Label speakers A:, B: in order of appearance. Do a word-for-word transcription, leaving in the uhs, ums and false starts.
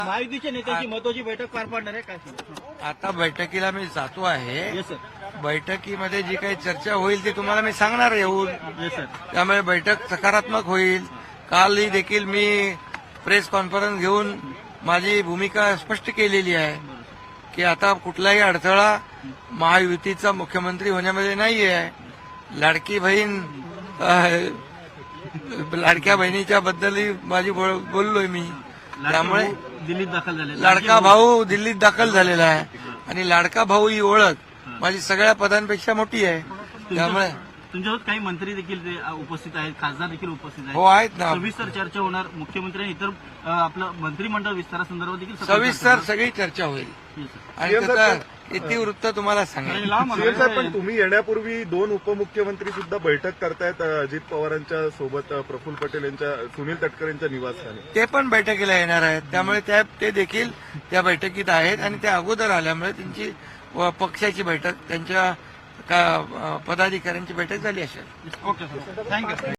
A: महायुतीच्या नेत्याची महत्वाची बैठक पार पाडणार आहे काय?
B: आता बैठकीला मी जातो आहे.
A: Yes sir.
B: बैठकीमध्ये जी काही चर्चा होईल ती तुम्हाला मी सांगणार येऊन.
A: Yes sir.
B: त्यामुळे बैठक सकारात्मक होईल. कालही देखील मी प्रेस कॉन्फरन्स घेऊन माझी भूमिका स्पष्ट केलेली आहे की आता कुठलाही अडथळा महायुतीचा मुख्यमंत्री होण्यामध्ये नाही आहे. लाडकी बहीण अ, लाडक्या बहिणीच्या बद्दलही माझी बोल- बोललोय मी. त्यामुळे
A: दिल्लीत दाखल झाले.
B: लाडका भाऊ दिल्लीत दाखल झालेला आहे आणि लाडका भाऊ ही ओळख माझी सगळ्या पदांपेक्षा मोठी आहे. त्यामुळे
A: तुमच्यासोबत काही मंत्री देखील ते उपस्थित आहेत, खासदार देखील उपस्थित आहेत.
B: हो आहेत ना.
A: सविस्तर चर्चा होणार. मुख्यमंत्री आणि इतर अ, आपलं मंत्रिमंडळ विस्तारासंदर्भात देखील सखोल
B: सविस्तर
A: चर्चा
B: सगळी चर्चा होईल
A: होणार.
B: आणि त्याचा इतिवृत्त तुम्हाला सांगेल.
C: सीएम साहेब, पण तुम्ही येण्यापूर्वी दोन उपमुख्यमंत्री सुद्धा बैठक करतायत अजित पवारांच्या सोबत, प्रफुल्ल पटेल यांच्या, सुनील तटकरे यांच्या निवासस्थानी.
B: ते पण बैठकीला येणार आहेत. त्यामुळे त्या ते देखील त्या बैठकीत आहेत आणि त्या अगोदर आल्यामुळे त्यांची व पक्षाची बैठक, त्यांच्या का- पदाधिकाऱ्यांची बैठक झाली असेल.
A: Okay sir. थँक्यू.